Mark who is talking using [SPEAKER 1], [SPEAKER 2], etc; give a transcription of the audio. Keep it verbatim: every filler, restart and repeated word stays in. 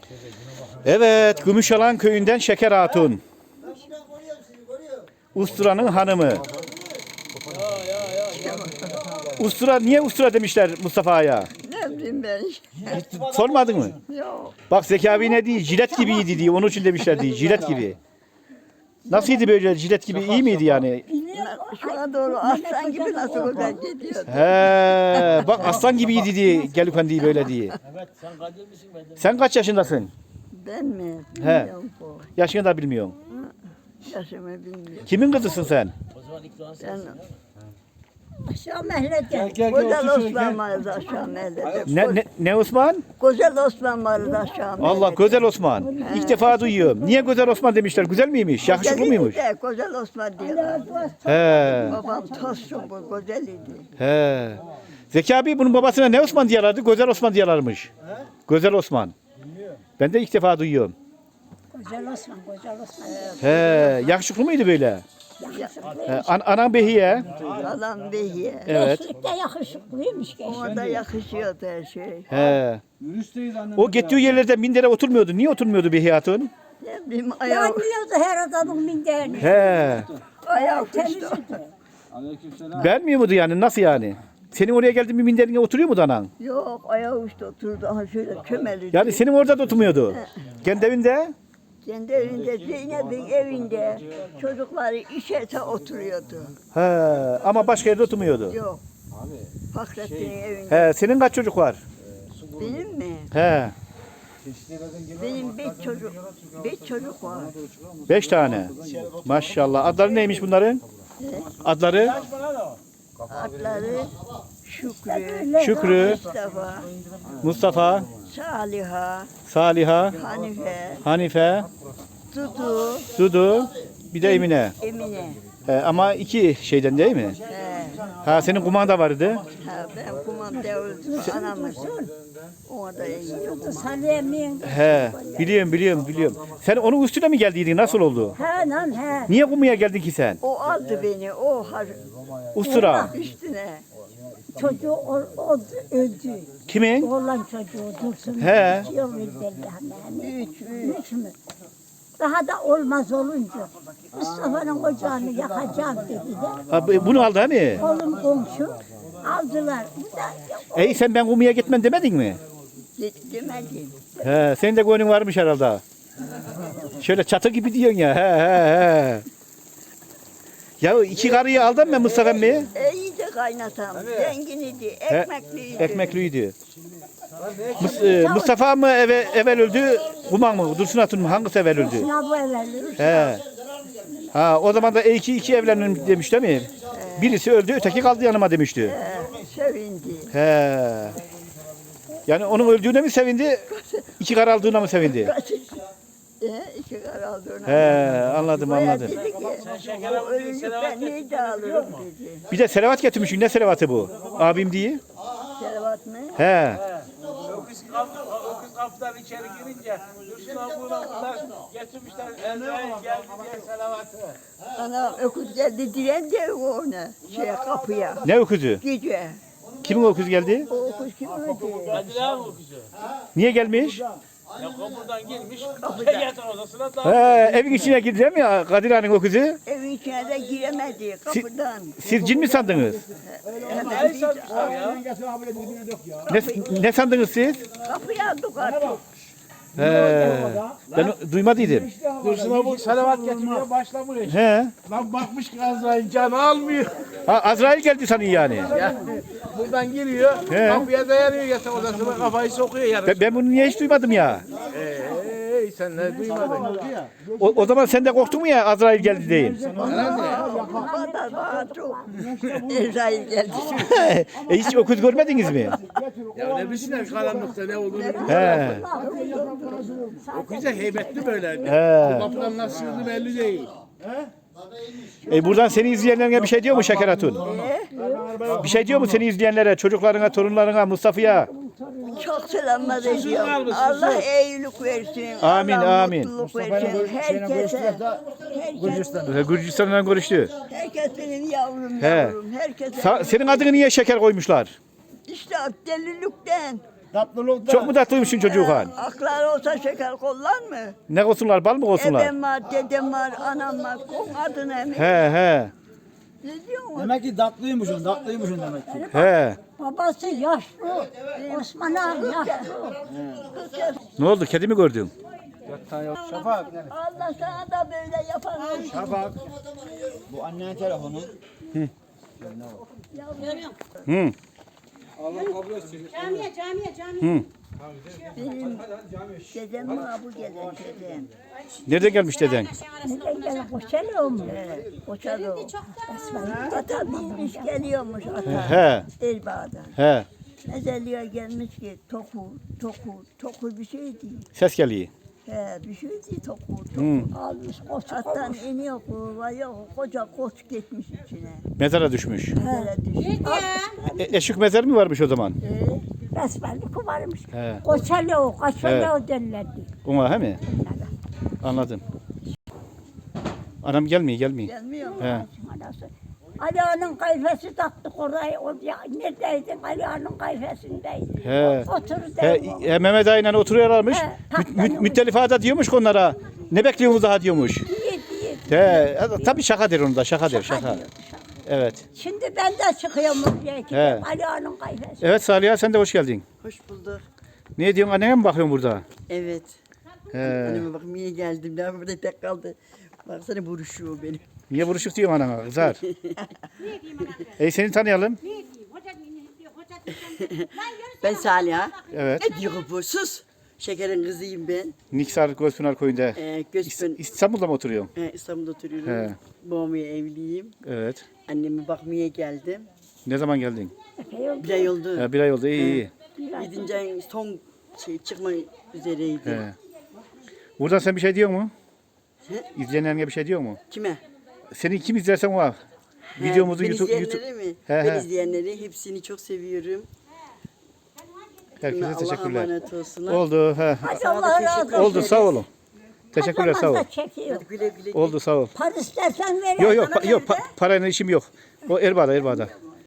[SPEAKER 1] Evet, Gümüşalan köyünden Şeker Hatun. Ustura'nın hanımı. Ustura, niye ustura demişler Mustafa'ya?
[SPEAKER 2] Ne bileyim ben.
[SPEAKER 1] Sormadın mı?
[SPEAKER 2] Yok.
[SPEAKER 1] Bak Zeki abi ne diyor? Jilet gibiydi diye. Onun için demişler diye. Jilet gibi. Nasılydı böyle jilet gibi? İyi miydi yani?
[SPEAKER 2] Şuna doğru aslan gibi nasıl güzel gidiyor.
[SPEAKER 1] He, bak aslan gibiydi diye. Gelirken diye böyle diye.
[SPEAKER 3] Evet, sen kadir misin ben de?
[SPEAKER 1] Sen kaç yaşındasın?
[SPEAKER 2] Ben mi?
[SPEAKER 1] He.
[SPEAKER 2] Bilmiyorum bu.
[SPEAKER 1] Yaşını da bilmiyorum.
[SPEAKER 2] Yaşımı bilmiyorum.
[SPEAKER 1] Kimin kızısın sen?
[SPEAKER 3] O zaman ikram
[SPEAKER 2] Ben
[SPEAKER 3] sensin.
[SPEAKER 4] Aşağı mahallede.
[SPEAKER 2] Güzel Osman vardı aşağı mahallede.
[SPEAKER 1] Ne, ne, ne Osman?
[SPEAKER 2] Güzel Osman vardı aşağı mahallede.
[SPEAKER 1] Allah Güzel Osman. İlk defa duyuyorum. Niye Güzel Osman demişler? Güzel miymiş? Yakışıklı mıymış?
[SPEAKER 2] Güzeliydi de, Güzel Osman diyorlar.
[SPEAKER 1] He.
[SPEAKER 2] Babam tostçu bu, güzeliydi.
[SPEAKER 1] He. Zeki abi bunun babasına ne Osman diyorlardı? Güzel Osman diyorlarmış. Güzel Osman. Ben de ilk defa duyuyorum.
[SPEAKER 4] Güzel Osman, güzel Osman.
[SPEAKER 1] He. Yakışıklı mıydı böyle?
[SPEAKER 4] Yakışıklı.
[SPEAKER 1] He. An anan Behiye.
[SPEAKER 2] Adam behiye.
[SPEAKER 1] Evet.
[SPEAKER 4] Gençlikte yakışıklıymış gençlik.
[SPEAKER 2] Ona da yakışıyordu her şey.
[SPEAKER 1] He. O gittiği yerlerde mindere oturmuyordu. Niye oturmuyordu Behiye Hatun?
[SPEAKER 2] Ne bileyim ayağı,
[SPEAKER 4] Yanmıyordu her adamın minderini.
[SPEAKER 1] He.
[SPEAKER 2] ayağı kuştu.
[SPEAKER 4] Temizdi.
[SPEAKER 1] Beğenmiyor muydu yani? Nasıl yani? Senin oraya geldiğin bir minderine oturuyor muydu anan?
[SPEAKER 2] Yok ayağı uçtu oturdu. Aha şöyle kömeliydi.
[SPEAKER 1] Yani senin orada da oturmuyordu. Kendi evinde?
[SPEAKER 2] Kendi evinde, Zeynep'in evinde çocukları işete oturuyordu.
[SPEAKER 1] He. Ama başka yerde oturmuyordu.
[SPEAKER 2] Yok. Fakrettin'in evinde.
[SPEAKER 1] He. Senin kaç çocuk var?
[SPEAKER 2] Benim mi?
[SPEAKER 1] He.
[SPEAKER 2] Benim beş çocuk, beş çocuk var.
[SPEAKER 1] Beş tane. Maşallah. Adları neymiş bunların? Adları?
[SPEAKER 2] Adları Şükrü,
[SPEAKER 1] Şükrü,
[SPEAKER 2] Mustafa,
[SPEAKER 1] Mustafa,
[SPEAKER 2] Saliha,
[SPEAKER 1] Saliha,
[SPEAKER 2] Hanife,
[SPEAKER 1] Hanife,
[SPEAKER 2] Dudu,
[SPEAKER 1] Dudu, bir de Emine.
[SPEAKER 2] Emine.
[SPEAKER 1] He, ama iki şeyden değil mi?
[SPEAKER 2] He.
[SPEAKER 1] Ha senin kumanda vardı.
[SPEAKER 2] Ha, ben kumanda öldüm, anamız. Ona da iyi.
[SPEAKER 4] Salim'in.
[SPEAKER 1] He, biliyorum biliyorum biliyorum. Sen onun üstüne mi geldiydin? Nasıl oldu?
[SPEAKER 4] He lan he.
[SPEAKER 1] Niye kumaya geldin ki sen?
[SPEAKER 2] O aldı beni, o har
[SPEAKER 1] Ustura.
[SPEAKER 2] üstüne.
[SPEAKER 4] Çocuğu o, o öldü.
[SPEAKER 1] Kimin?
[SPEAKER 4] Oğlan çocuğu Dursun.
[SPEAKER 1] He.
[SPEAKER 4] İki yıl öldü hemen.
[SPEAKER 2] Üç, üç.
[SPEAKER 4] Üç mü? Daha da olmaz olunca Mustafa'nın ocağını yakacağım dediler.
[SPEAKER 1] Ha, bu- bunu aldı hani.
[SPEAKER 4] Oğlum komşu aldılar. Bu da
[SPEAKER 1] Ey sen ben kumaya gitmem demedin mi?
[SPEAKER 2] De- Demedim.
[SPEAKER 1] He, senin de gönlün varmış herhalde. Şöyle çatı gibi diyorsun ya. He he he. Ya iki karıyı aldın mı Mustafa emmi?
[SPEAKER 2] E, iyi de kaynatam. Zengin idi, ekmekliydi.
[SPEAKER 1] Ekmekliydi. Mus- e, Mustafa mı eve, evvel öldü, Kuman mı, Dursun Hatun mu? Hangisi evvel öldü?
[SPEAKER 4] sınav bu evveldir.
[SPEAKER 1] He. Ha, o zaman da iki iki evlenin demiş değil mi? Birisi öldü, öteki kaldı yanıma demişti.
[SPEAKER 2] He, sevindi.
[SPEAKER 1] He. Yani onun öldüğüne mi sevindi, iki kar aldığına mı sevindi?
[SPEAKER 2] E, iki kar aldı ona.
[SPEAKER 1] He, anladım
[SPEAKER 2] Bayağı
[SPEAKER 1] anladım.
[SPEAKER 2] dedi ki, bu ölünce ben neyi de alırım dedi.
[SPEAKER 1] Bir de selavat getirmişsin, ne selavatı bu? Abim diye.
[SPEAKER 2] Selavat mı?
[SPEAKER 1] He.
[SPEAKER 3] Öküz kapı, öküz kapıdan içeri girince Dursun abuna bunlar getirmişler. Ezrail geldi diye salavatı.
[SPEAKER 2] Ana öküz geldi diren de ona şeye kapıya.
[SPEAKER 1] Ne öküzü?
[SPEAKER 2] Gece.
[SPEAKER 1] Kimin öküzü geldi?
[SPEAKER 2] O öküz kim öldü?
[SPEAKER 3] Kadir abi öküzü.
[SPEAKER 1] Niye gelmiş?
[SPEAKER 3] Ya kapıdan girmiş, yatak odasına da.
[SPEAKER 1] He, evin içine girdi değil mi ya Kadir Ağa'nın öküzü?
[SPEAKER 2] Evin içine de giremedi kapıdan.
[SPEAKER 1] Siz cin mi sandınız?
[SPEAKER 2] Hemen
[SPEAKER 3] Ne
[SPEAKER 2] bir
[SPEAKER 3] satmışlar ya?
[SPEAKER 1] Ne, ne sandınız siz?
[SPEAKER 2] kapıya aldık artık.
[SPEAKER 1] He, ben duymadıydım.
[SPEAKER 3] Dursun abi salavat getirmeye başlamış.
[SPEAKER 1] He.
[SPEAKER 3] Lan bakmış ki Azrail canı almıyor.
[SPEAKER 1] Ha, Azrail geldi sanıyor yani.
[SPEAKER 3] Yani buradan giriyor,
[SPEAKER 1] He.
[SPEAKER 3] kapıya dayanıyor yatak odasına kafayı sokuyor yarın.
[SPEAKER 1] Ben, ben bunu niye hiç duymadım ya?
[SPEAKER 3] Eee sen ne duymadın?
[SPEAKER 1] O, o zaman sen de korktun mu ya Azrail geldi deyin?
[SPEAKER 2] Bana bana çok. Ezrail geldi.
[SPEAKER 1] e, hiç öküz görmediniz mi?
[SPEAKER 3] Ya ne bilsinler karanlıkta ne olduğunu.
[SPEAKER 1] He.
[SPEAKER 3] O güzel heybetli böyle.
[SPEAKER 1] He.
[SPEAKER 3] Kapıdan nasıl sığdı belli değil.
[SPEAKER 1] E, buradan seni izleyenlerine bir şey diyor mu Şeker Hatun? Bir şey diyor mu seni izleyenlere, çocuklarına, torunlarına, Mustafa'ya?
[SPEAKER 2] Çok selamlar ediyorum. Allah iyilik versin.
[SPEAKER 1] Amin,
[SPEAKER 2] Allah
[SPEAKER 1] amin.
[SPEAKER 2] mutluluk versin. Herkese. Herkese.
[SPEAKER 1] Gürcistan'dan görüştü.
[SPEAKER 2] Herkes benim yavrum
[SPEAKER 1] He.
[SPEAKER 2] yavrum. Herkese.
[SPEAKER 1] Sa- senin adını niye Şeker koymuşlar?
[SPEAKER 2] İşte delilikten.
[SPEAKER 5] Tatlılıkta.
[SPEAKER 1] Çok mu tatlıymışsın çocuğu han?
[SPEAKER 2] Aklar olsa şeker kollar mı?
[SPEAKER 1] Ne olsunlar, bal mı olsunlar?
[SPEAKER 2] Ebem var, dedem var, anam var. Kol adına mı?
[SPEAKER 1] He he
[SPEAKER 2] Ne diyorsun?
[SPEAKER 5] Demek ki tatlıymışsın, tatlıymışsın demek ki.
[SPEAKER 1] he.
[SPEAKER 4] Babası yaşlı. Osman abi yaşlı.
[SPEAKER 1] Ne oldu, kedi mi gördün?
[SPEAKER 5] Şafak.
[SPEAKER 2] Allah sana da böyle yapar.
[SPEAKER 5] Şafak. Bu annenin telefonu.
[SPEAKER 1] Hı.
[SPEAKER 6] Camiye, camiye, camiye.
[SPEAKER 1] Hı.
[SPEAKER 2] Benim dedem mi bu gelen dedem?
[SPEAKER 1] Nereden gelmiş deden?
[SPEAKER 4] Neden gelen koşalım mı?
[SPEAKER 2] He, koçalı o.
[SPEAKER 4] Esmer.
[SPEAKER 2] Ata binmiş geliyormuş ata.
[SPEAKER 1] He
[SPEAKER 2] Elbağ'dan.
[SPEAKER 1] he.
[SPEAKER 2] Ezeliyor gelmiş ki toku, toku, toku bir şey değil.
[SPEAKER 1] Ses geliyor.
[SPEAKER 2] He, bir şey değil toku, toku.
[SPEAKER 1] Hı.
[SPEAKER 2] Almış koç attan iniyor kuva yok. Koca koç gitmiş içine.
[SPEAKER 1] Mezara düşmüş.
[SPEAKER 2] Böyle düşün.
[SPEAKER 1] E, eşik mezar mı varmış o zaman?
[SPEAKER 2] He,
[SPEAKER 4] Esmerlik varmış.
[SPEAKER 1] He.
[SPEAKER 4] Koçalı, koçalı derlerdi.
[SPEAKER 1] Ona he mi? Anladım. Anam gelmiyor, gelmiyor.
[SPEAKER 2] gelmiyor mu?
[SPEAKER 1] He.
[SPEAKER 4] Anası. Ali'nin kayfesi taktık oraya. O, ya, neredeydin? Ali'nin kayfesindeydi.
[SPEAKER 1] He.
[SPEAKER 4] Otur
[SPEAKER 1] He,
[SPEAKER 4] derim.
[SPEAKER 1] he, Mehmet Ağa'yla oturuyorlarmış.
[SPEAKER 4] He,
[SPEAKER 1] Mü,
[SPEAKER 4] taklanıyor.
[SPEAKER 1] mü, müttelifada diyormuş ki onlara. Ne bekliyorsunuz daha diyormuş.
[SPEAKER 4] Yedi, yedi.
[SPEAKER 1] He, tabii şaka der onu da, şaka der, şaka.
[SPEAKER 4] diyordu, şaka.
[SPEAKER 1] Evet.
[SPEAKER 4] Şimdi ben de çıkıyorum oraya
[SPEAKER 1] He.
[SPEAKER 4] gidiyorum. Ali'nin kayfesi.
[SPEAKER 1] Evet Saliha, sen de hoş geldin.
[SPEAKER 7] Hoş bulduk.
[SPEAKER 1] Ne diyorsun, annene mi bakıyorsun burada?
[SPEAKER 7] Evet.
[SPEAKER 1] He.
[SPEAKER 7] Anneme bak niye geldim. Ne burada tek kaldı. Baksana buruşuyor benim.
[SPEAKER 1] Niye buruşuk diyorsun anana, kızar? E seni tanıyalım.
[SPEAKER 6] Ne diyeyim? Hoca ne diyor? Hoca diyeceğim. Lan yürü
[SPEAKER 7] Ben Saliha.
[SPEAKER 1] Evet.
[SPEAKER 7] Ne diyor bu? Sus. Şekerin kızıyım ben.
[SPEAKER 1] Niksar Gözpınar Köyü'nde.
[SPEAKER 7] Ee,
[SPEAKER 1] İs-
[SPEAKER 7] Gözpün
[SPEAKER 1] İstanbul'da mı oturuyorsun?
[SPEAKER 7] e, İstanbul'da oturuyorum.
[SPEAKER 1] He.
[SPEAKER 7] Babamaya evliyim.
[SPEAKER 1] Evet.
[SPEAKER 7] Anneme bakmaya geldim.
[SPEAKER 1] Ne zaman geldin?
[SPEAKER 7] Bir ay oldu.
[SPEAKER 1] Ha, bir ay oldu, iyi iyi.
[SPEAKER 7] Yedinci ayın son şey çıkma üzereydi.
[SPEAKER 1] He. Buradan sen bir şey diyor mu?
[SPEAKER 7] He?
[SPEAKER 1] İzleyenlerine bir şey diyor mu?
[SPEAKER 7] Kime?
[SPEAKER 1] Seni kim izlersen o var.
[SPEAKER 7] He,
[SPEAKER 1] Videomuzu
[SPEAKER 7] ben
[SPEAKER 1] YouTube,
[SPEAKER 7] izleyenleri
[SPEAKER 1] YouTube.
[SPEAKER 7] mi?
[SPEAKER 1] He,
[SPEAKER 7] ben
[SPEAKER 1] he.
[SPEAKER 7] izleyenleri hepsini çok seviyorum.
[SPEAKER 1] Herkese
[SPEAKER 7] Allah'a
[SPEAKER 1] teşekkürler.
[SPEAKER 7] emanet olsunlar.
[SPEAKER 1] Oldu. He.
[SPEAKER 4] Hadi
[SPEAKER 7] Sana da
[SPEAKER 4] Allah
[SPEAKER 7] teşekkür
[SPEAKER 4] razı olsun.
[SPEAKER 1] Oldu, sağ olun. Teşekkürler, sağ ol.
[SPEAKER 4] Kazanmazsa çekiyor.
[SPEAKER 7] Güle güle.
[SPEAKER 1] Oldu, sağ ol.
[SPEAKER 4] Para istersen ver.
[SPEAKER 1] Yok yok, pa- yok pa- parayla işim yok. O Erbaa'da, Erbaa'da.